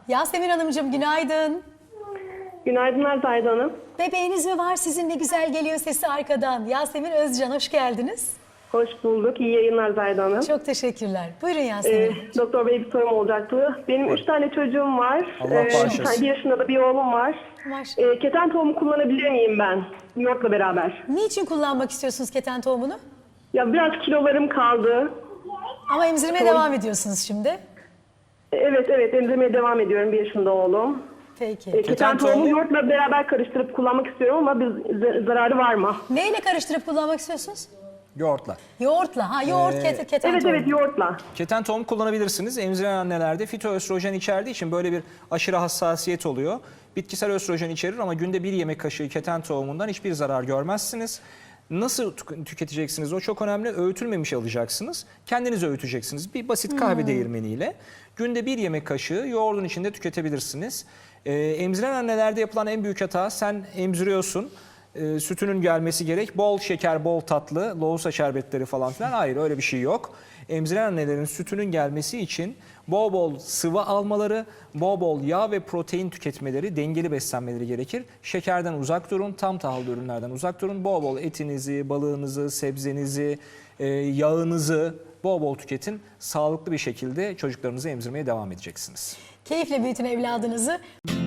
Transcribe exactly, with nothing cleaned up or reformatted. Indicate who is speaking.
Speaker 1: Yasemin Hanımcığım günaydın.
Speaker 2: Günaydınlar Zahide Hanım.
Speaker 1: Bebeğiniz mi var sizin, ne güzel geliyor sesi arkadan. Yasemin Özcan, hoş geldiniz.
Speaker 2: Hoş bulduk. İyi yayınlar Zahide Hanım.
Speaker 1: Çok teşekkürler. Buyurun Yasemin
Speaker 2: Ee,
Speaker 1: Hanım.
Speaker 2: Doktor Bey, bir sorum olacaktı. Benim üç tane çocuğum var.
Speaker 3: Allah
Speaker 2: Ee,
Speaker 3: bağışlasın.
Speaker 2: bir tane- bir yaşında da bir oğlum var.
Speaker 1: Maşallah.
Speaker 2: Ee, keten tohumu kullanabilir miyim ben? Yoğurtla beraber.
Speaker 1: Niçin kullanmak istiyorsunuz keten tohumunu?
Speaker 2: Ya biraz kilolarım kaldı.
Speaker 1: Ama emzirmeye
Speaker 2: Doğru.
Speaker 1: devam ediyorsunuz şimdi.
Speaker 2: Evet evet emzirmeye devam ediyorum, bir yaşında oğlum.
Speaker 1: Peki.
Speaker 2: Ee, keten,
Speaker 3: Keten
Speaker 2: tohumu
Speaker 3: tohumu-
Speaker 2: yoğurtla beraber karıştırıp kullanmak istiyorum ama bir z- zararı var mı?
Speaker 1: Neyle karıştırıp kullanmak istiyorsunuz?
Speaker 3: Yoğurtla.
Speaker 1: Yoğurtla. Ha yoğurt,
Speaker 3: Ee,
Speaker 1: keten, keten
Speaker 2: Evet
Speaker 1: tohumu.
Speaker 2: evet yoğurtla.
Speaker 3: Keten tohum kullanabilirsiniz. Emziren annelerde fitoöstrojen içerdiği için böyle bir aşırı hassasiyet oluyor. Bitkisel östrojen içerir ama günde bir yemek kaşığı keten tohumundan hiçbir zarar görmezsiniz. Nasıl tük- tüketeceksiniz? O çok önemli. Öğütülmemiş alacaksınız. Kendiniz öğüteceksiniz. Bir basit kahve değirmeniyle günde bir yemek kaşığı yoğurdun içinde tüketebilirsiniz. Ee, emziren annelerde yapılan en büyük hata, sen emziriyorsun. E, sütünün gelmesi gerek. Bol şeker, bol tatlı, lohusa şerbetleri falan filan. Hayır, öyle bir şey yok. Emziren annelerin sütünün gelmesi için bol bol sıvı almaları, bol bol yağ ve protein tüketmeleri, dengeli beslenmeleri gerekir. Şekerden uzak durun, tam tahıllı ürünlerden uzak durun. Bol bol etinizi, balığınızı, sebzenizi, e, yağınızı bol bol tüketin. Sağlıklı bir şekilde çocuklarınızı emzirmeye devam edeceksiniz.
Speaker 1: Keyifle büyütün evladınızı.